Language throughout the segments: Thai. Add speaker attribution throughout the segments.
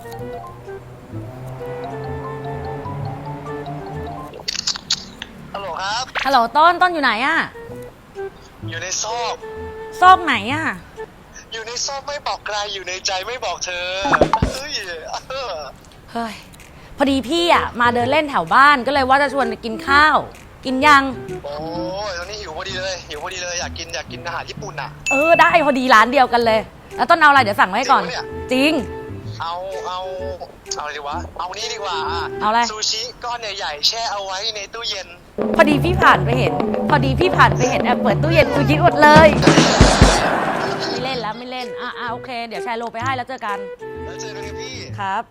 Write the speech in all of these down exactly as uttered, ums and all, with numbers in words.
Speaker 1: ฮัลโหลครับ
Speaker 2: ฮัลโหลต้นต้นอยู่ไหนอะ
Speaker 1: อยู่ในซอก
Speaker 2: ซอกไหนอะ
Speaker 1: อยู่ในซอกไม่บอกใครอยู่ในใจไม่บอกเธอเฮ้ย
Speaker 2: เฮ้ยพอดีพี่อะมาเดินเล่นแถวบ้านก็เลยว่าจะชวนไปกินข้าวกินยัง
Speaker 1: โอ้ยตอนนี้หิวพอดีเลยหิวพอดีเลยอยากกินอยากกินอาหารญี่ปุ่นอะ
Speaker 2: เออได้พอดีร้านเดียวกันเลยแล้วต้นเอาอะไรเดี๋ยวสั่งไว้ก่อนจริง
Speaker 1: เอาเอาเอาอะไรดีวะเอานี้ดีกว่า
Speaker 2: เอาอะไร
Speaker 1: ซูชิก้อนใหญ่ๆแช่เอาไว้ในตู้เย็น
Speaker 2: พอดีพี่ผ่านไปเห็นพอดีพี่ผ่านไปเห็นแอบเปิดตู้เย็นซูชิอดเลยไม่เล่นแล้วไม่เล่นอ่ะอ่ะโอเคเดี๋ยวแชร์โลไปให้แล้วเจอกัน
Speaker 1: แล้วเจอกันพี่
Speaker 2: ครับ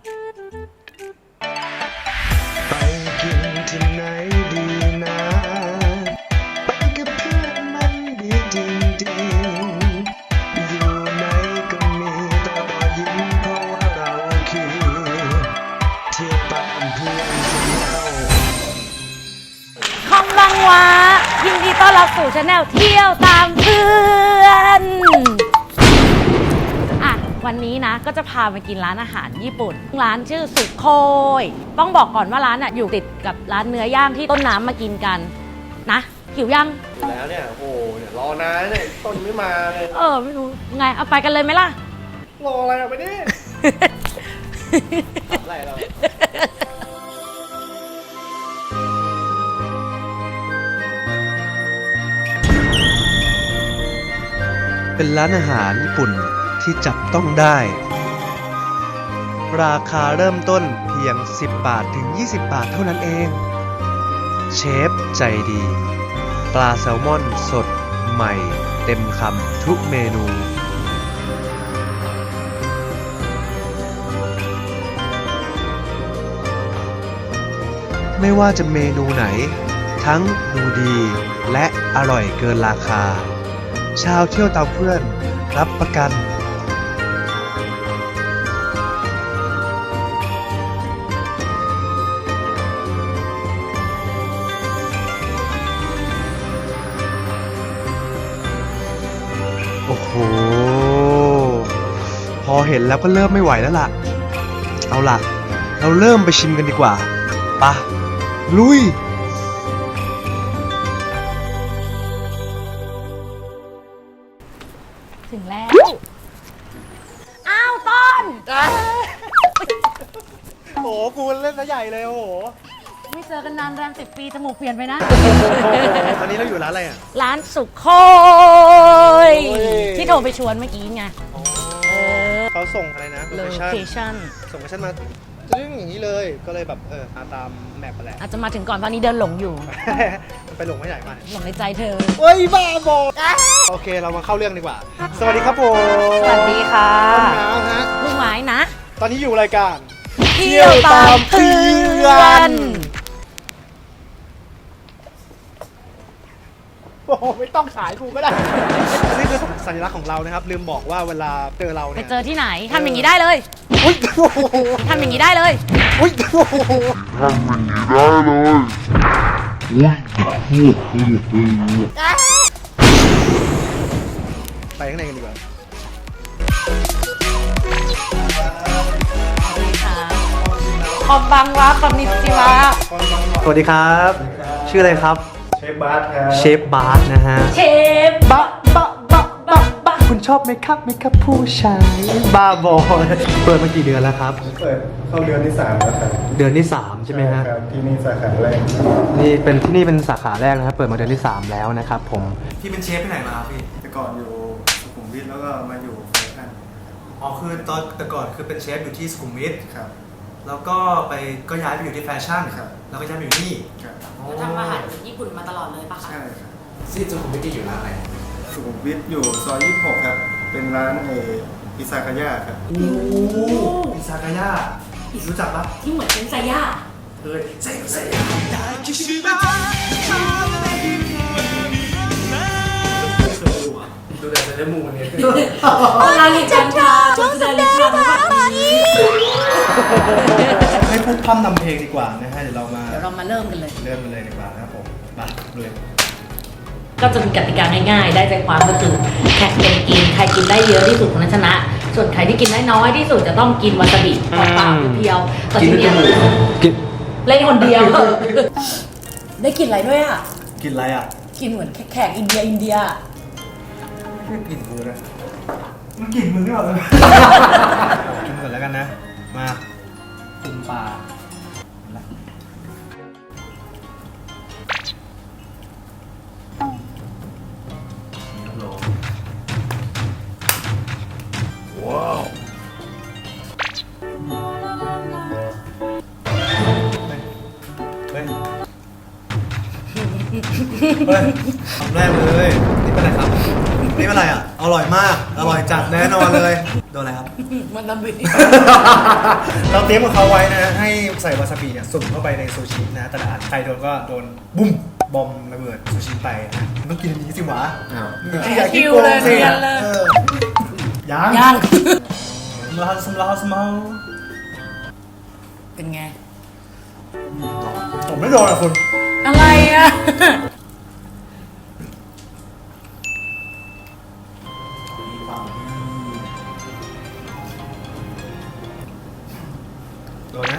Speaker 1: ไปกินที่ไหนดีนะไปกับเพื่อนมันดีจริงๆอยู่ไหนก็มีแต่รอยยิ้มเพราะว่าเราคือเที่ยวตามเพื่อนที่เรา
Speaker 2: คอมบังวะยินดีต้อนรับสู่ชาแนลเที่ยวตามเพื่อนอ่ะวันนี้นะก็จะพามากินร้านอาหารญี่ปุ่นร้านชื่อสุโคยต้องบอกก่อนว่าร้านอ่ะอยู่ติดกับร้านเนื้อย่างที่ต้นน้ำมากินกันนะหิวยัง
Speaker 1: แล้วเนี่ยโอ้เนี่ยรอนานเนี่ยต้นไม่มาเลย
Speaker 2: เออไม่รู้ไงเอาไปกันเลยไหมล่ะ
Speaker 1: รออะไรอ่ะไปดิอะไรเรา
Speaker 3: เป็นร้านอาหารญี่ปุ่นที่จับต้องได้ ราคาเริ่มต้นเพียงสิบบาทถึงยี่สิบบาทเท่านั้นเอง เชฟใจดี ปลาแซลมอนสดใหม่เต็มคำทุกเมนู ไม่ว่าจะเมนูไหนทั้งดูดีและอร่อยเกินราคาชาวเที่ยวตามเพื่อนรับประกันโอ้โหพอเห็นแล้วก็เริ่มไม่ไหวแล้วล่ะเอาล่ะเราเริ่มไปชิมกันดีกว่าปะลุย
Speaker 2: ถึงแล้วอ้าวต้น
Speaker 1: โอ้โหกูเล่นซะใหญ่เลยโอ้โห
Speaker 2: ไม่เจอกันนานแรมสิบปีจมูกเปลี่ยนไปนะ
Speaker 1: ตอนนี้เราอยู่ร้านอะไรอ่ะ
Speaker 2: ร้านสุโคยที่โทรไปชวนเมื่อกี้ไง
Speaker 1: เขาส่งอะไรนะ
Speaker 2: โลเคชั่น
Speaker 1: ส่งโลเคชั่นมาซึ่งอย่างนี้เลยก็เลยแบบเออตามแมปไปแหละ
Speaker 2: อาจจะมาถึงก่อนตอนนี้เดินหลงอยู่
Speaker 1: ไปหลงไม่ใหญ่มา
Speaker 2: หลงในใจเธอ
Speaker 1: เฮ้ยบ้าบอกโอเคเรามาเข้าเรื่องดีกว่าสวัสดีครับผม
Speaker 2: สวัสดีค่ะ
Speaker 1: ต้นน้ำฮะ
Speaker 2: ลูกไม้นะ
Speaker 1: ตอนนี้อยู่รายการ
Speaker 2: เที่ยวตามเพื่อน
Speaker 1: โอ้ไม่ต้องขายกูก็ได้นี่คือสัญลักษณ์ของเรานะครับลืมบอกว่าเวลาเจอเราเนี่ย
Speaker 2: ไปเจอที่ไหนทำอย่างนี้ได้เลยทำอย่างนี้ได้เลย
Speaker 1: ทำอย่างนี้ได้เลยไปข้างในกันดีกว่า
Speaker 2: คอมบังวะคอมนิจิวะ
Speaker 3: สวัสดีครับชื่ออะไรครับ
Speaker 1: เชฟบาร์ครับ
Speaker 3: เชฟบาร์นะฮะ
Speaker 2: เชฟบะบะบะบะบะ
Speaker 3: คุณชอบไหมครับไหมครับผู้ชายบ้าบอเปิดมากี่เดือนแล้วครับ
Speaker 1: เปิดเข้าเดือนที่สามแล้วครับ
Speaker 3: เดือนที่สามใช่ไหมฮะ
Speaker 1: ที่นี่สาขาแรก
Speaker 3: นี่เป็นที่นี่เป็นสาขาแรกนะครับเปิดมาเดือนที่สามแล้วนะครับผม
Speaker 4: พี่เป็นเชฟที่ไหนมาพี่
Speaker 1: แต่ก่อนอยู่สุขุมวิทแล้วก็มาอยู่แฟชั่น
Speaker 4: อ๋อคือตอนแต่ก่อนคือเป็นเชฟอยู่ที่สุขุมวิท
Speaker 1: ครับ
Speaker 4: แล้วก็ไปก็ย้ายไปอยู่ที่แฟชั่น
Speaker 1: ครับ
Speaker 4: แล้วก็ย้ายไปอยู่นี่
Speaker 1: ครับ
Speaker 2: แล้วทำอาหารญี่ปุ่นมาตลอดเลยปะคะ
Speaker 1: ใช่ครับ
Speaker 4: ที่สุขุมวิทอยู่ร้านอะไร
Speaker 1: สุขุมวิทอยู่ซอยยี่สิบหกครับเป็นร้านเออิซากายะครับ
Speaker 4: โอ้อิซากายะรู้จักปะ
Speaker 2: ที่เหมือนเป็นไซย่า
Speaker 4: เฮ้ยไซไซย่าดูแต่จะได้มูมันเนี่ย
Speaker 2: ร้านนี้จังชาช่วงสัปดาห์แบบนี้
Speaker 1: ให้พูดพร่ำนำเพลงดีกว่านะฮะเดี๋ยวเรามา
Speaker 2: เดี๋ยวเรามาเริ่มกันเลย
Speaker 1: เริ่มกันเลยดีกว่านะครับผมมาเลย
Speaker 2: ก็จะมีกติกาง่ายๆได้ใจความก็คือแข่งกันกินใครกินได้เยอะที่สุดคนนั้นชนะส่วนใครที่กินน้อยๆที่สุดจะต้องกินวาซาบิเปล่าๆเพียวๆแต่ทีเนี้ย
Speaker 3: กิน
Speaker 2: เล่นคนเดียว ได้กลินอะไรด้วยอ่ะ
Speaker 4: กินอะไรอ่ะ
Speaker 2: กินเหมือนแขกอินเดียอินเดีย
Speaker 4: ไม่กลิ่นมือเลยมันกลิ่นมือไม่ออกเลยกินก่อนแล้วกันนะ มาปรุงปลาละว้าวเฮ้ย เฮ้ยคำแรกเลย นี่เป็นอะไรครับ นี่เป็นอะไรอ่ะ อร่อยมาก อร่อยจัดแน่นอนเลย โดนอะไรครับ
Speaker 2: มันตะบิ
Speaker 4: เราเตรียมกับเขาไว้นะ ให้ใส่วาซาบิเนี่ยสุ่มเข้าไปในซูชินะ แต่ละอันใครโดนก็โดนบุ้มบอมระเบิดซูชิไปนะมันต้องกินอันนี้สิวะที่อยากกินโกงสิเออยัง
Speaker 2: ย่าง
Speaker 4: สมลาวสมลาวสมลาว
Speaker 2: เป็นไง
Speaker 4: ผมไม่โดนอ่ะคุณ
Speaker 2: อะไรอ่ะ
Speaker 4: โดนนะ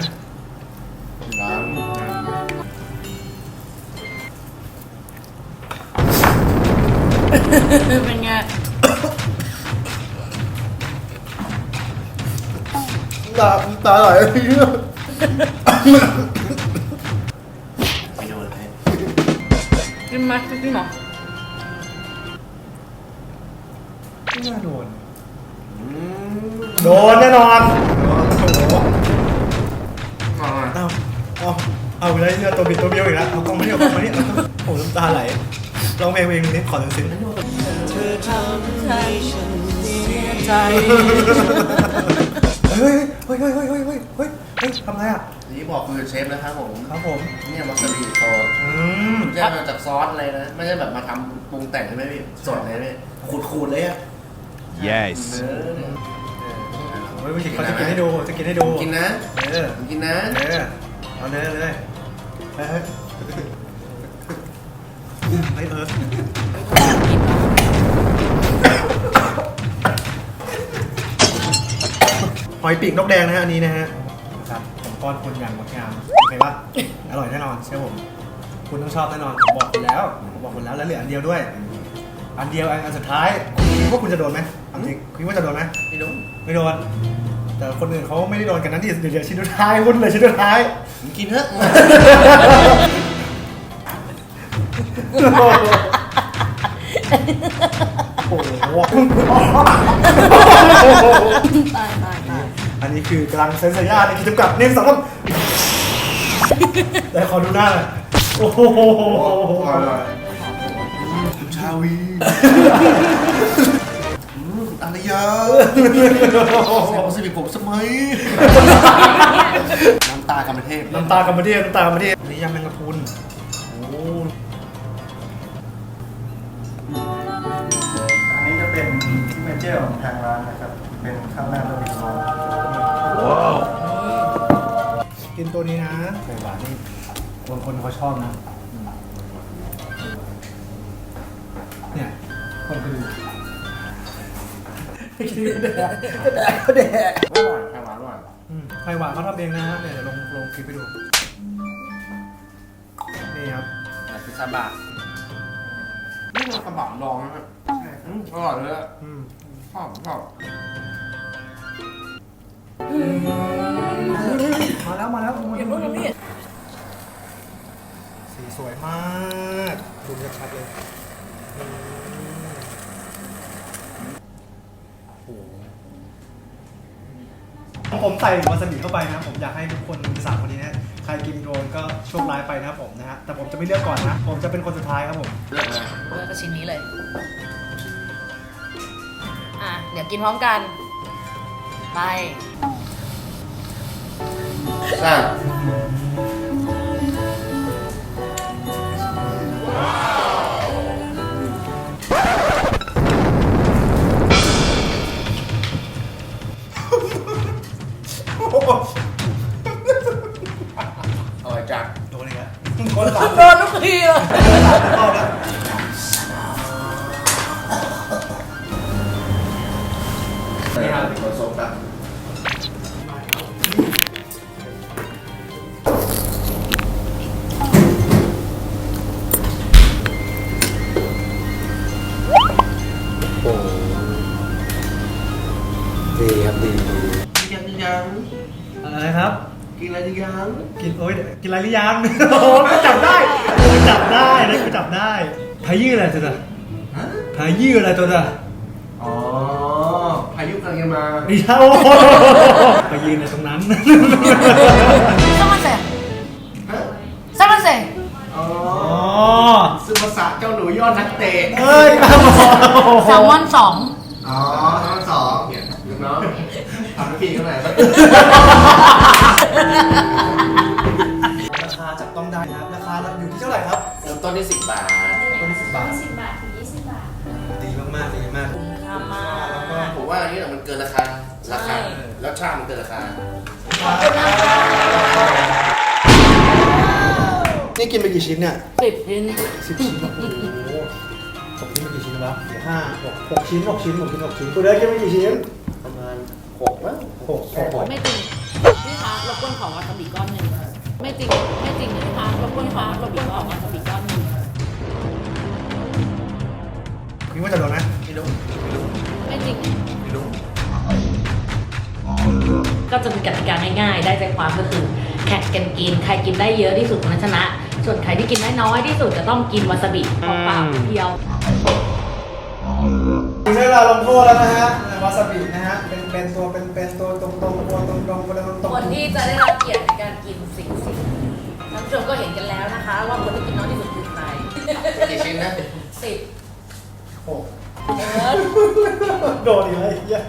Speaker 2: เป็นไง
Speaker 4: ตาตาไหลเยอะ
Speaker 1: ไม่โดนเลย
Speaker 2: กินไหมกินหรอ
Speaker 4: ไม่น่าโดน โดนแน่นอนเอาเอาเอาเอาไปเลยเนี่ยตัวบิดตัวเบี้ยวอีกแล้วเอากล้องมาเนี่ยเอากล้องมาเนี่ยโอ้น้ำตาไหลร้องเพลงเพลงนี้ขอหนึ่งซึ้ง
Speaker 2: เธอทำให้ฉันเสียใจ
Speaker 4: เฮ้ยเฮ้ยเฮ้ยเฮ้ยเฮ้ยเฮ้ยเฮ้ยเฮ้ยทำไรอ่ะ
Speaker 1: นี่บอกคือเชฟนะครับผม
Speaker 4: ครับผม
Speaker 1: เนี่ยวาซาบิซอส
Speaker 4: อืม
Speaker 1: แยกมาจากซอสอะไรนะ ไม่ใช่แบบมาทำปรุงแต่งใช่ไหมพี่สดเลยพี่ขูดๆเลยอ่ะ
Speaker 3: yes
Speaker 1: เนื้อเนี่ย
Speaker 4: เฮ้ยเขาจะกินให้ดูจะกินให้ดู
Speaker 1: กินนะ
Speaker 4: เออ
Speaker 1: กินนะ
Speaker 4: เออเอาเนื้อเลยเฮ้ยเฮ้ยเฮ้ยเออหอยปีกนกแดงนะฮะอันนี้นะฮะครับผมก้อนคุณอย่างงดงามเห็นปะอร่อยแน่นอนเชื่อผมคุณต้องชอบแน่นอนผมบอกคุณแล้วผมบอกคุณแล้วแล้วเหลืออันเดียวด้วย อันเดียวอันอันสุดท้ายคุณคิดว่าคุณจะโดนไหมเอาจริงคุณคิดว่าจะโดนไหม
Speaker 1: ไม่รู้
Speaker 4: ไม่โดน แต่คนอื่นเขาไม่ได้โดนกันนั้นที่เดี๋ยวชิ้นสุดท้ายคุณเลยชิ้นสุดท้าย
Speaker 1: มึงกินเถอะ
Speaker 4: โอ้โห
Speaker 2: ตายตายตาย
Speaker 4: อันนี้คือกำลังเซ็นสัญญาในกิจกรรมหนึ่งสองสามแต่ขอดูหน้าหน่อยโอ้โห
Speaker 1: ชาวีอะไรเยอะแซ่บสิผมสมัยน้ำตากรรมเทพ
Speaker 4: น้ำตากรรมเทพน้ำตากรรมเทพอันนี้ยำแมงกะพรุนโอ้อันนี้จะเป็นซิกเนเจอร์ของทางร้านนะครับ เป็นข้าวหน้าบะหมี่โลว้าวกินตัวนี้นะไข่หวานนี่คนคนเขาชอบนะเนี่ยคนคือแดกแดกแดก
Speaker 1: อร่อยไข่หวานอร่อย
Speaker 4: อืมไข่หวานเขาทำเองนะฮะเนี่ยเดี๋ยวลงลงคลิปไปดู นี่ครับ
Speaker 1: แบบพิซซ่าบาร์นี่มันกระบะลองนะอืมอร่อยเลยอะ
Speaker 4: อืม
Speaker 1: ชอบชอบ
Speaker 4: มาแล้วมาแล้ว
Speaker 2: อย่าเพิ่งนะพี่
Speaker 4: สีสวยมากดูชัดๆเลยอืมโอ้โหผมใส่วาซาบิเข้าไปนะผมอยากให้ทุกคนสามคนนี้นะใครกินโดนก็โชคร้ายไปนะครับผมนะฮะแต่ผมจะไม่เลือกก่อนนะ ผมจะเป็นคนสุดท้ายครับผม
Speaker 1: เลือกเลย
Speaker 2: เลือกกระชิ้นนี้เลย อ่ะ เดี๋ยวกินพร้อมกัน ไป
Speaker 1: อ่ะ อร่อยจัด
Speaker 4: โดนเลยครับโดนหลัง
Speaker 2: โดนทุกทีเลย
Speaker 4: เข้าแล้วนี่ครับ
Speaker 5: มแบบ
Speaker 3: โอ้ดีครับดีดี
Speaker 5: กินอะไรยัง
Speaker 4: อะไรครับ
Speaker 5: กินอะไรยัง
Speaker 4: กินโอ้ยกินอะไรหรือยัง โอ้โหกูจับได้กูจับได้นะกูจับได้พายืดอะไรตัวน่ะ
Speaker 5: ฮะ
Speaker 4: พายืดอะไรตัวน่ะ
Speaker 5: อ๋อพายุกำลังจะมา
Speaker 4: ไม่ใช่โอ้โหไปยืนในตรงนั้น
Speaker 2: ซัมมันเซ่
Speaker 5: ฮะ
Speaker 2: ซัมมันเซ่
Speaker 5: อ๋อ
Speaker 4: อ๋อ
Speaker 5: ซึภาษาเจ้าหนูยอดนักเตะ
Speaker 4: เอ้ยมาบอก
Speaker 2: แซลมอนสอง
Speaker 5: อ๋อทั้งสองเนี่ยลูกน้องทำให้พี่เขาหน่อยครับ
Speaker 4: ราคาจับต้องได้นะครับราคาอยู่ที่เท่าไหร่ครับ
Speaker 5: เริ่มต้นที่สิบบาท
Speaker 4: คนที่สิบบาท
Speaker 6: สิบบาทถึงยี่สิบบาท
Speaker 4: ดีมากๆดีมาก
Speaker 2: ค่ามาก
Speaker 4: แล้วก็
Speaker 5: ผมว่าอันนี้มันเกินราคา ราคา แล้วชาติมันเกินราคา
Speaker 4: นี่กินไปกี่ชิ้นเนี่ย
Speaker 2: สิบชิ้น
Speaker 4: สิบชิ้นโอ้โหตกชิ้นไปกี่ชิ้นวะเดี๋ยวห้าหกหกชิ้นหกชิ้นหกชิ้นหกชิ้นกูได้กินไปกี่ชิ้น
Speaker 5: ประมาณหกมั้ง
Speaker 4: หกหกหก
Speaker 2: ไม่จริงพี่คะรบกวนขอวาซาบิก้อนหนึ่งไม่จริงไม่จริงนะคะรบกวนขอวาซาบิขอวาซาบิก้อนหนึ่ง
Speaker 4: คิดว่าจะโดนไหม
Speaker 5: ไม่รู้
Speaker 2: ไม่จริง
Speaker 5: ไม่รู้
Speaker 2: ก็จะมีกติกาง่ายๆ ได้ใจความก็คือแข่งกันกิน ใครกินได้เยอะที่สุดคนนั้นชนะ ส่วนใครที่กินได้น้อยที่สุดจะต้องกินวาซาบิเปล่าๆเพียว
Speaker 4: ถึงเวลาลงโทษแล้วนะฮะวาซาบินะฮะเป็นเป็นตัวเป็นเป็นตัวตรงตรงตัวตรงตรงตัวตรงตรง
Speaker 2: คนที่จะได้รับเกียรติในการกินสิ่งสิ่งท่านผู้ชมก็เห็นกันแล้วนะคะ ว่าคนที่กินน้อยที่สุดคือใคร
Speaker 5: กี่ชิ้นนะ
Speaker 2: สิบ
Speaker 4: หก
Speaker 2: เออ
Speaker 4: โดนอีกแล้วไอ้เหี้ย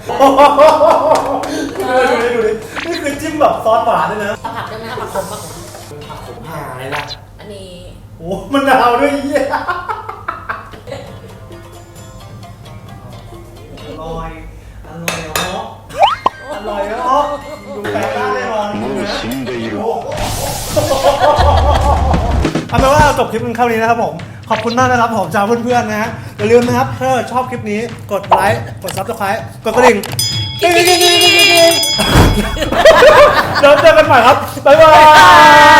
Speaker 4: ดูดิดูดินี่คือจิ้มแบบซอสหวานด้วยนะ
Speaker 2: เอาผักได้ไหมเอาผักขมผักขม
Speaker 5: ผักผมหาอะไรล่ะ
Speaker 2: อันนี้
Speaker 4: โอ้มันดาวด้วยไอ้เหี้ยอร่อยอร่อยเหรออร่อยเหรอดูแปลกหน้าแน่นอนนะเอาเป็นว่าเราจบคลิปกันเท่านี้นะครับผม ขอบคุณมากนะครับผมจากเพื่อนๆนะฮะอย่าลืมนะครับถ้าชอบคลิปนี้กดไลค์กดซับสไครต์กดกระดิ่งกิ๊งกิ๊งกิ๊งกิ๊งกิ๊งกิ๊งเดี๋ยวเจอกันใหม่ครับ บ๊ายบาย